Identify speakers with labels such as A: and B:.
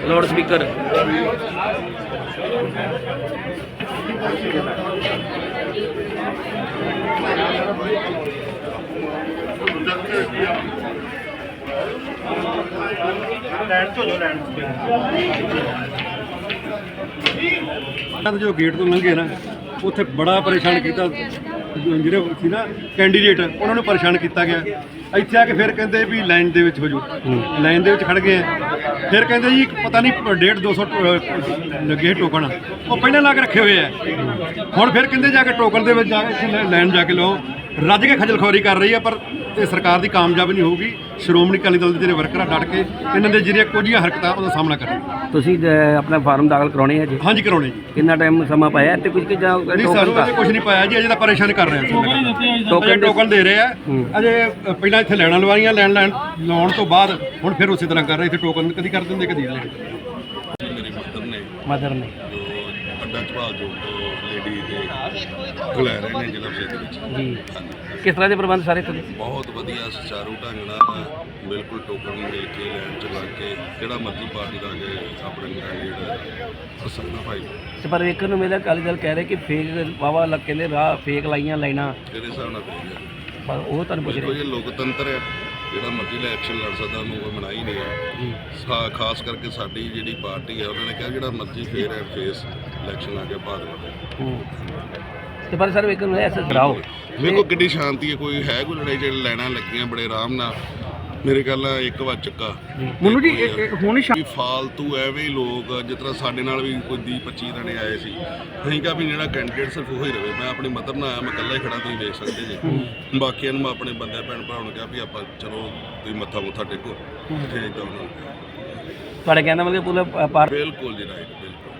A: Loud speaker
B: जो gate तो लंघे ना उत्थे बड़ा परेशान किया ਜਿਹੜੇ ਸੀ ਨਾ ਕੈਂਡੀਡੇਟ ਉਹਨਾਂ ਨੂੰ ਪਰੇਸ਼ਾਨ ਕੀਤਾ ਗਿਆ। ਇੱਥੇ ਆ ਕੇ ਫਿਰ ਕਹਿੰਦੇ ਵੀ ਲਾਈਨ ਦੇ ਵਿੱਚ ਹੋ ਜਾਓ, ਲਾਈਨ ਦੇ ਵਿੱਚ ਖੜ ਗਏ ਆ। ਫਿਰ ਕਹਿੰਦੇ ਜੀ ਪਤਾ ਨਹੀਂ 150-200 ਲੱਗੇ ਟੋਕਨ, ਉਹ ਪਹਿਲਾਂ ਲਾ ਕੇ ਰੱਖੇ ਹੋਏ ਆ। ਹੁਣ ਫਿਰ ਕਹਿੰਦੇ ਜਾ ਕੇ ਟੋਕਨ ਦੇ ਵਿੱਚ ਜਾ ਕੇ ਲਾਈਨ ਜਾ ਕੇ ਲਓ। ਰੱਜ ਕੇ ਖੱਜਲ ਖੁਆਰੀ ਕਰ ਰਹੀ ਆ, ਪਰ ਇਹ ਸਰਕਾਰ ਦੀ ਕਾਮਯਾਬ ਨਹੀਂ ਹੋਊਗੀ। ਸ਼੍ਰੋਮਣੀ ਅਕਾਲੀ ਦਲ ਦੇ ਜਿਹੜੇ ਵਰਕਰ ਆ ਡਟ ਕੇ ਇਹਨਾਂ ਦੇ ਜਿਹੜੀਆਂ ਕੁਝੀਆਂ ਹਰਕਤਾਂ ਉਹਦਾ ਸਾਹਮਣਾ ਕਰਨ।
A: ਤੁਸੀਂ ਆਪਣਾ ਫਾਰਮ ਦਾਖਲ ਕਰਾਉਣੇ ਹੈ ਜੀ?
B: ਹਾਂਜੀ ਕਰਾਉਣੇ ਜੀ।
A: ਕਿੰਨਾ ਟਾਈਮ ਸਮਾਂ ਪਾਇਆ ਤੇ ਕੁਝ ਕਿ ਜਾਂ
B: ਨਹੀਂ ਸਾਨੂੰ ਅਜੇ ਕੁਝ ਨਹੀਂ ਪਾਇਆ ਜੀ, ਅਜੇ ਤਾਂ ਪਰੇਸ਼ਾਨ ਕਰ ਰਹੇ ਆ। ਟੋਕਨ ਦੇ ਰਹੇ ਆ ਅਜੇ। ਪਹਿਲਾਂ ਇੱਥੇ ਲੈਣਾ ਲਵਾਈਆਂ, ਲੈਣ ਲਾਉਣ ਤੋਂ ਬਾਅਦ ਹੁਣ ਫਿਰ ਉਸੇ ਤਰ੍ਹਾਂ ਕਰ ਰਹੇ। ਇੱਥੇ ਟੋਕਨ ਕਦੀ ਕਰ ਦਿੰਦੇ ਕਦੀ ਲੈਣ।
C: ਮੇਰੀ
A: ਮਦਰ ਨੇ
C: ਜੋ ਅੱਡਾ ਝਵਾਲ ਜੋ ਲੇਡੀ ਦੇ ਲੈ ਰਹੇ ਨੇ ਜ਼ਿਲ੍ਹਾ ਦੇ ਵਿੱਚ
A: ਜੀ। ਕਿਸ ਤਰ੍ਹਾਂ ਦੇ ਪ੍ਰਬੰਧ ਸਾਰੇ ਇੱਥੇ?
C: ਬਹੁਤ ਵਧੀਆ ਸੁਚਾਰੂ ਢੰਗ ਨਾਲ ਬਿਲਕੁਲ ਟੋਕਨ ਮਿਲ ਕੇ ਲੈਣ ਚ ਲੱਗ ਕੇ ਜਿਹੜਾ ਮਰਜ਼ੀ ਪਾਰਟੀ ਦਾ ਕੇ ਆਪਣੇ ਕੈਂਡੀਡੇਟ ਪਸੰਦ ਭਾਈ।
A: ਤੇ ਪਰ ਵੇਖਣ ਨੂੰ ਮਿਲਿਆ ਅਕਾਲੀ ਦਲ ਕਹਿ ਰਹੇ ਕਿ ਫੇਕ ਵਾਵਾ ਲੱਗ ਕਹਿੰਦੇ ਰਾਹ ਫੇਕ ਲਾਈਆਂ ਲਾਈਨਾਂ,
C: ਕਿਹੜੇ ਹਿਸਾਬ ਨਾਲ ਪਈ
A: ਪਰ ਉਹ ਤੁਹਾਨੂੰ ਪੁੱਛ
C: ਦੇਖੋ
A: ਰਹੇ।
C: ਇਹ ਲੋਕਤੰਤਰ ਹੈ, ਜਿਹੜਾ ਮਰਜ਼ੀ ਲੈ ਐਕਸ਼ਨ ਲੜ ਸਕਦਾ, ਉਹਨੂੰ ਕੋਈ ਮਨਾਹੀ ਨਹੀਂ ਹੈ। ਖਾਸ ਕਰਕੇ ਸਾਡੀ ਜਿਹੜੀ ਪਾਰਟੀ ਹੈ ਉਹਨਾਂ ਨੇ ਕਿਹਾ ਜਿਹੜਾ ਮਰਜ਼ੀ ਫੇਰ ਐਂਡ ਫੇਸ ਇਲੈਕਸ਼ਨ ਆ ਕੇ ਬਾਅਦ
A: ਤੇ ਪਰ ਸਰ ਵੇਖਣ ਨੂੰ ਐਸਾ ਡਰਾਓ
C: ਵੇਖੋ ਕਿੰਨੀ ਸ਼ਾਂਤੀ ਹੈ, ਕੋਈ ਹੈ ਕੋਈ ਲੜਾਈ ਜਿਹੜੇ ਲੈਣਾ ਲੱਗੀਆਂ ਬੜੇ ਆਰਾਮ ਨਾਲ। ਮੇਰੇ ਖਿਆਲ ਨਾਲ ਇੱਕ ਵਾਰ ਚੱਕਾ
A: ਮੈਨੂੰ ਜੀ
C: ਹੁਣ ਫਾਲਤੂ ਐਵੇਂ ਹੀ ਲੋਕ ਜਿਸ ਤਰ੍ਹਾਂ ਸਾਡੇ ਨਾਲ ਵੀ ਕੋਈ 20-25 ਜਣੇ ਆਏ ਸੀ। ਅਸੀਂ ਕਿਹਾ ਵੀ ਜਿਹੜਾ ਕੈਂਡੀਡੇਟ ਸਿਰਫ ਉਹ ਹੀ ਰਵੇ। ਮੈਂ ਆਪਣੀ ਮਦਰ ਨਾਲ ਆਇਆ, ਮੈਂ ਇਕੱਲਾ ਹੀ ਖੜਾ, ਤੁਸੀਂ ਵੇਖ ਸਕਦੇ ਜੇ। ਬਾਕੀਆਂ ਨੂੰ ਮੈਂ ਆਪਣੇ ਬੰਦੇ ਭੈਣ ਭਰਾਵਾਂ ਨੂੰ ਕਿਹਾ ਵੀ ਆਪਾਂ ਚਲੋ ਤੁਸੀਂ ਮੱਥਾ ਟੇਕੋ, ਇੱਥੇ ਇੱਦਾਂ ਉਹਨਾਂ ਨੂੰ
A: ਤੁਹਾਡੇ ਕਹਿੰਦਾ ਮਤਲਬ ਪੂਰਾ
C: ਬਿਲਕੁਲ ਜੀ ਰਾਈਟ ਬਿਲਕੁਲ।